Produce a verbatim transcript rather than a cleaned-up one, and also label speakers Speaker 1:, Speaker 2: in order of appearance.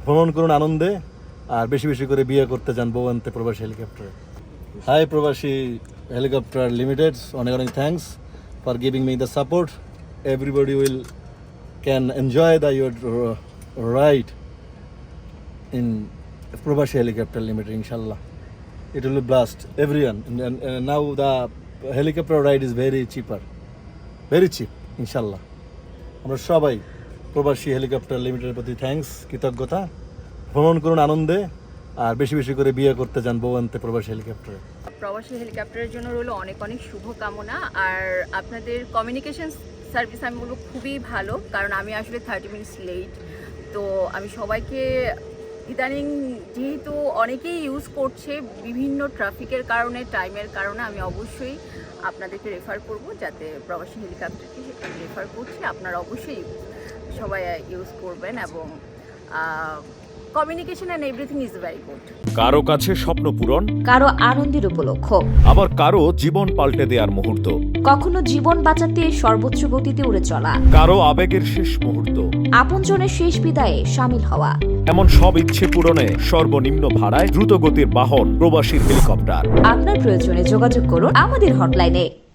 Speaker 1: ভ্রমণ করুন আনন্দে, আর বেশি বেশি করে বিয়ে করতে যান বউয়ান্তে প্রবাসী হেলিকপ্টারে। হাই প্রবাসী হেলিকপ্টার লিমিটেড, অনেক অনেক thanks for giving me the support. Everybody will can enjoy the your ride in Probashi Helicopter Limited, inshallah. It will be blast everyone. And, and uh, now the helicopter ride is very cheaper, very cheap, inshallah. আমরা সবাই প্রবাসী helicopter লিমিটেডের প্রতি thanks, কৃতজ্ঞতা। ভ্রমণ করুন আনন্দে, আর বেশি বেশি করে বিয়ে করতে যান বউয়ান্তে প্রবাসী হেলিকপ্টারে।
Speaker 2: প্রবাসী হেলিকপ্টারের জন্য রইল অনেক অনেক শুভকামনা। আর আপনাদের কমিউনিকেশন সার্ভিস আমি বলবো খুবই ভালো, কারণ আমি আসলে থার্টি মিনিটস লেট। তো আমি সবাইকে ইদানিং যেহেতু অনেকেই ইউজ করছে বিভিন্ন ট্রাফিকের কারণে, টাইমের কারণে, আমি অবশ্যই আপনাদেরকে রেফার করব, যাতে প্রবাসী হেলিকপ্টারকে আমি রেফার করছি, আপনারা অবশ্যই সবাই ইউজ করবেন। এবং communication and everything is very good.
Speaker 3: কারো কাছে স্বপ্ন পূরণ,
Speaker 4: কারো আনন্দের উপলক্ষ,
Speaker 3: আবার কারো জীবন পাল্টে দেওয়ার মুহূর্ত,
Speaker 4: কখনো জীবন বাঁচাতে সর্বোচ্চ গতিতে উড়ে চলা,
Speaker 3: কারো আবেগের শেষ মুহূর্ত,
Speaker 4: আপনজনের শেষ বিদায়ে সামিল হওয়া,
Speaker 3: এমন সব ইচ্ছে পূরণে সর্বনিম্ন ভাড়ায় দ্রুতগতির বাহন প্রবাসী হেলিকপ্টার।
Speaker 4: আপনার প্রয়োজনে যোগাযোগ করুন আমাদের হটলাইনে।